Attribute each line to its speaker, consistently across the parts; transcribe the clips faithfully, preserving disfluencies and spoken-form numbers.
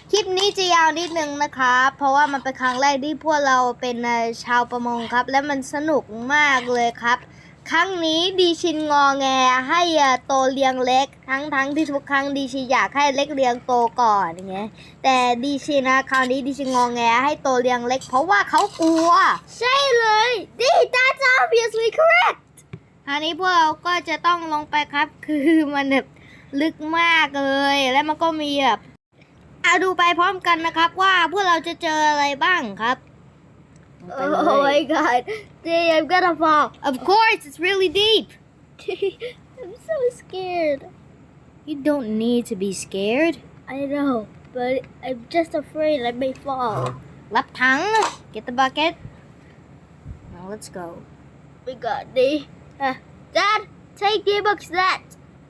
Speaker 1: คลิปนี้จะยาวนิดนึงนะครับเพราะว่ามันเป็นครั้งแรกที่พวกเราเป็นชาวประมงครับและมันสนุกมากเลยครับครั้งนี้ดีชินงอแงให้โตเลี้ยงเล็กทั้งทั้งที่ทุกครั้งดีชินอยากให้เล็กเลี้ยงโตก่อนอย่างเงี้ยแต่ดีชินนะคราวนี้ดีชินงอแงให้โตเลี้ยงเล็กเพราะว่าเขากลัวใช่เลยดี that's obviously correct คราวนี้พวกเราก็จะต้องลงไปครับคือมันแบบลึกมากเลยและมันก็มีแบบเอาดูไปพร้อมกันนะครับว่าพวกเราจะเจออะไรบ้างครับ Oh my god Dee, I'm gonna fall Of course it's really deep I'm so scared You don't need to be scared I know but I'm just afraid I may fall รับถัง Get the bucket Now let's go We got Dee uh, Dad take the box that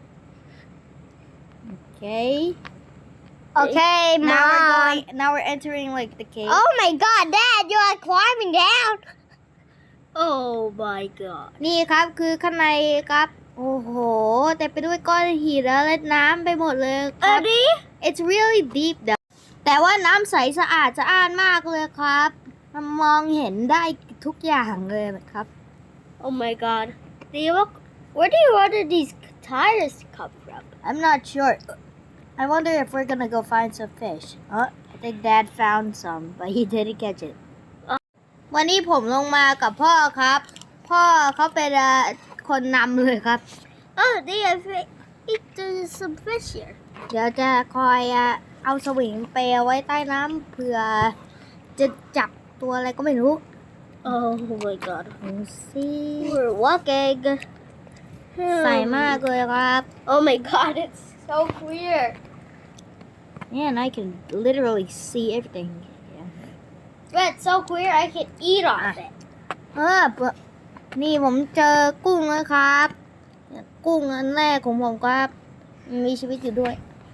Speaker 1: Okay Okay, Mom. Now we're going. Now we're entering like the cave. Oh my God, Dad, you are climbing down. Oh my God. นี่ครับคือข้างในครับโอ้โหแต่ไปด้วยก้อนหินและน้ำไปหมดเลยครับ It's really deep though. แต่ว่าน้ำใสสะอาดสะอ้านมากเลยครับมันมองเห็นได้ทุกอย่างเลยนะครับ Oh my God. Do you look? Where do you order these tires come from? I'm not sure.I wonder if we're gonna go find some fish. Oh, I think Dad found some, but he didn't catch it. วันนี้ผมลงมากับพ่อครับ พ่อเขาเป็นคนนำเลยครับ Oh, they have there's some fish here. เดี๋ยวจะคอยเอาสวิงไปเอาไว้ใต้น้ำเผื่อจะจับตัวอะไรก็ไม่รู้ Oh my God. See, we're walking. ใสมากเลยครับ Oh my God, it's so clear.Yeah, and I can literally see everything. Yeah. But it's so clear I can eat off it. เออนี่ผมเจอกุ้งแล้วครับกุ้งอันแรกของผมครับมีชีวิตอยู่ด้วย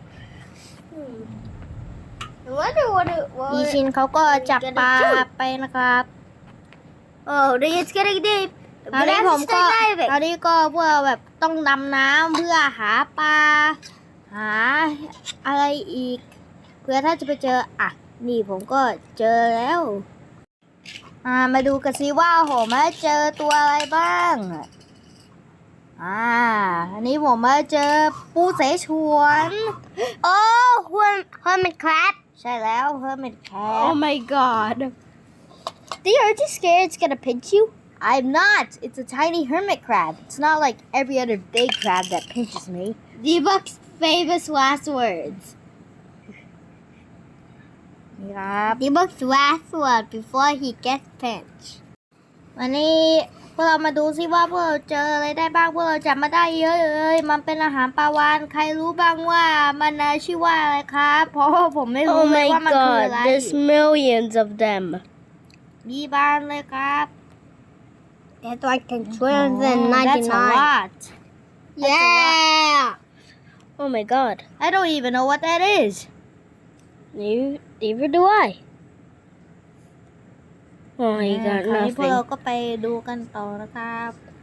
Speaker 1: ดีชินเขาก็จับปลาไปนะครับ Oh, it's getting deep. คราวนี้ผมก็คราวนี้ก็พวกเราแบบต้องดำน้ำเพื่อหาปลาหาอะไรอีกเพื่อถ้าจะไปเจออ่ะนี่ผมก็เจอแล้วอ่ามาดูกันสิว่าผมมาเจอตัวอะไรบ้างอ่าอันนี้ผมมาเจอปูเสฉวนโอ้hermit crab ใช่แล้ว hermit crab Oh my god Dee, are you scared it's gonna pinch you I'm not it's a tiny hermit crab it's not like every other big crab that pinches me Dee-Buck's famous last words นี่ครับ Dee-Buck's last word before he gets pinched วันนี้พวกเรามาดูซิว่าพวกเราเจออะไรได้บ้างพวกเราจับมาได้เยอะเลยมันเป็นอาหารปลาวาฬใครรู้บ้างว่ามันชื่อว่าอะไรครับเพราะผมไม่รู้เลยว่ามันคืออะไร
Speaker 2: There's millions of them
Speaker 1: มีบานเลยครับ
Speaker 2: That's like two hundred ninety-nine
Speaker 1: That's a lot
Speaker 2: Yeah Oh my god
Speaker 1: I don't even know what that is
Speaker 2: Neither do I Oh my god
Speaker 1: คราวนี้พวก
Speaker 2: nothing
Speaker 1: เราก็ไปดูกันต่อนะครับ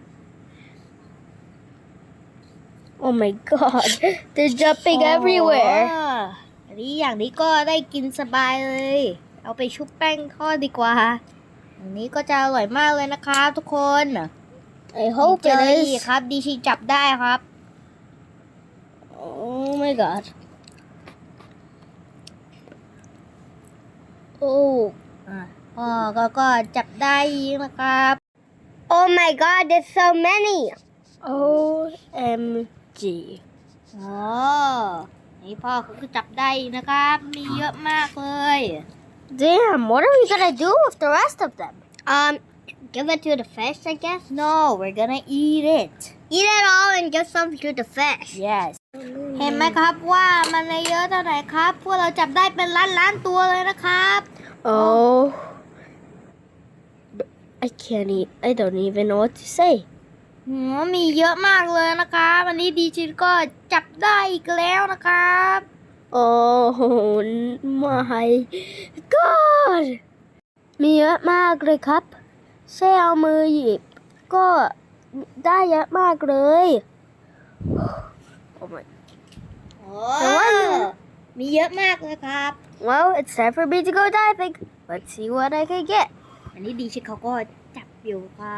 Speaker 2: Oh my god They're jumping everywhere
Speaker 1: อันนี้อย่างนี้ก็ได้กินสบายเลยเอาไปชุบแป้งทอดดีกว่าอันนี้ก็จะอร่อยมากเลยนะครับทุกคน
Speaker 2: I hope
Speaker 1: เจอ
Speaker 2: it
Speaker 1: อีก
Speaker 2: is
Speaker 1: ครับดีชีจับได้ครับ
Speaker 2: Oh my god Oh
Speaker 1: อ๋อก็ก็จับได้อีกนะครับ
Speaker 2: Oh my god there's so many O M G
Speaker 1: อ๋อนี่พ่อเขาก็จับได้นะครับมีเยอะมากเลย
Speaker 2: Damn what are we gonna do with the rest of them Um give it to the fish I guess
Speaker 1: No we're gonna eat it
Speaker 2: Eat it all and give some to the fish
Speaker 1: Yes เห็นไหมครับว่ามันเยอะเท่าไหร่ครับพวกเราจับได้เป็นล้านล้านตัวเลยนะครับ
Speaker 2: Oh I can't eat I don't even know what to say
Speaker 1: หืมมีเยอะมากเลยนะครับวันนี้ดีจิก็จับได้อีกแล้วนะครับ
Speaker 2: Oh my god มีเยอะมากเลยครับแค่เอามือหยิบก็ได้เยอะมากเลย Oh my
Speaker 1: โอ้มีเยอะมากเลยครับ
Speaker 2: Well, it's time for me to go diving. Let's see what I can get.
Speaker 1: อันนี้ดีชิเขาก็จับอยู่ครับ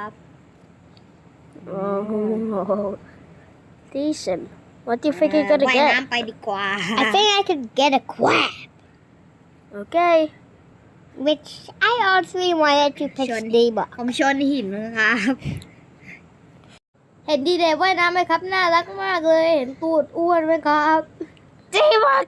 Speaker 2: Oh, decent. What do you think you're gonna
Speaker 1: ว่าย
Speaker 2: get?
Speaker 1: น้ำไปดีกว่า I think I could get a crab
Speaker 2: Okay.
Speaker 1: which I honestly wanted to pick Steve ผมชนหินนะครับ
Speaker 2: เห็นดีเดย์ว่ายน้ำไหมครับ น่ารักมากเลย เห็นตูดอ้วนไหมครับดีมาก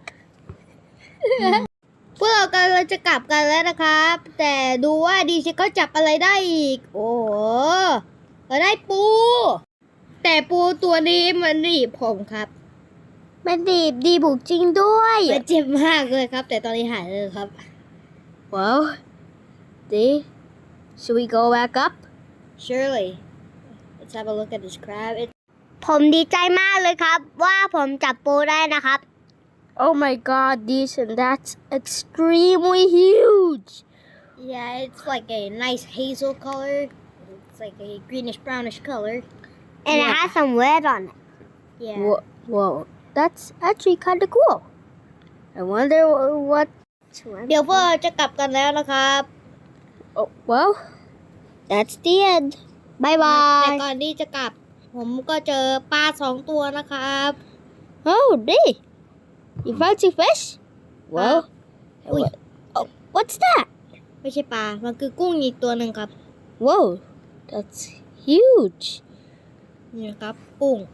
Speaker 1: พวกเรากำลังจะกลับกันแล้วนะครับ แต่ดูว่าดีชิเขาจับอะไรได้อีก โอ้โหเราได้ปู แต่ปูตัวนี้มันหนีบผมครับ
Speaker 2: มันดีบดีบุกจริงด้วย
Speaker 1: มันเจ็บมากเลยครับ แต่ตอนนี้หายเลยครับ
Speaker 2: Well, D, should we go back up?
Speaker 1: Surely let's have a look at this crab It
Speaker 2: ผมดีใจมากเลยครับ ว่าผมจับปูได้นะครับ Oh my god, decent. That's extremely huge.
Speaker 1: yeah it's like a nice hazel color it's like a greenish brownish color
Speaker 2: And it has some red on it.
Speaker 1: yeah
Speaker 2: Whoa, whoa. That's actually kind of cool. I wonder what...
Speaker 1: เดี๋ยวพวกเราจะกลับกันแล้วนะครับ
Speaker 2: Oh, well, that's the end. Bye
Speaker 1: แต่
Speaker 2: bye.
Speaker 1: ก่อนที่จะกลับ ผมก็เจอปลาสองตัวนะครับ
Speaker 2: Oh, D, you found two fish? Well,
Speaker 1: Ui.
Speaker 2: oh, what's that?
Speaker 1: ไม่ใช่ปลา มันคือกุ้งอีกตัวหนึ่งครับ
Speaker 2: Whoa, that's huge.
Speaker 1: นี่นะครับกุ้ง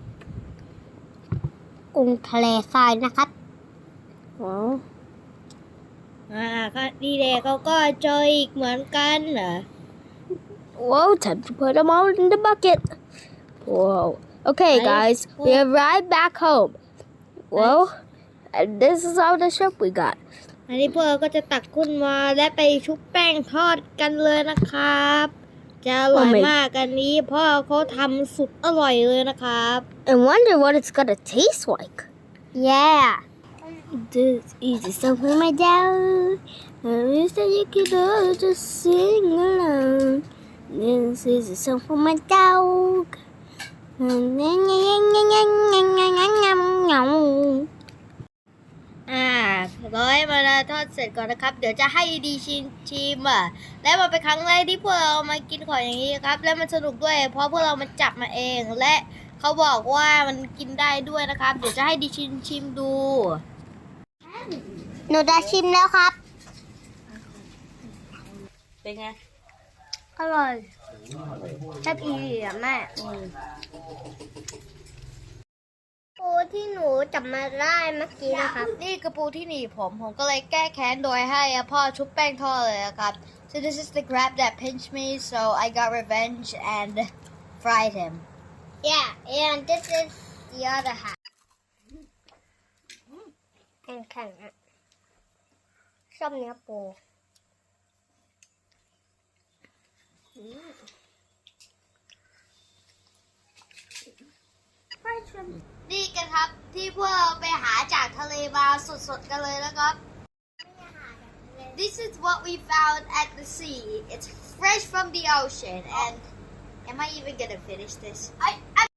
Speaker 2: กุ้งทะเลทรายนะครับ Well,
Speaker 1: อ่าก็ดีเดย์เขาก็เจออีกเหมือนกันเหรอ
Speaker 2: whoa, time to put them all in the bucket. Whoa. Okay,
Speaker 1: Nice.
Speaker 2: guys, we arrived back home. Well, and this is all the shrimp we got.
Speaker 1: อันนี้พวกเราก็จะตักขึ้นมาและไปชุบแป้งทอดกันเลยนะครับ จะอร่อย
Speaker 2: Oh my-
Speaker 1: มากอันนี้เพ่อเขาทำสุดอร่อยเลยนะครับ
Speaker 2: I wonder what it's gonna taste like.
Speaker 1: yeah
Speaker 2: This is a song for my dog. And you said you could all just sing along. This is a song for my dog.
Speaker 1: อ่าร้อยมาทอดเสร็จก่อนนะครับ เดี๋ยวจะให้ดีชิมชิมอ่ะ และมันเป็นครั้งแรกที่พวกเรามากินของอย่างนี้ครับ และมันสนุกด้วย เพราะพวกเรามันจับมาเอง และเขาบอกว่ามันกินได้ด้วยนะครับ เดี๋ยวจะให้ดีชิมชิมดู
Speaker 2: หนูจะชิมแล้วครับ
Speaker 1: เป็นไง
Speaker 2: อร่อยแซ่บอีอ่ะแม่ปูที่หนูจับมาได้เมื่อกี้นะครับ
Speaker 1: นี่กระปูที่หนีบผม ผมก็เลยแก้แค้นโดยให้พ่อชุบแป้งทอดเลยนะครับ so this is the crab that pinched me so I got revenge and fried him
Speaker 2: Yeah and this is the other half แข็งๆอ่ะชอบเนื้อปู
Speaker 1: นี่กันครับที่พวกเราไปหาจากทะเลมาสดๆกันเลยนะครับ This is what we found at the sea. It's fresh from the ocean and am I even gonna finish this? I, I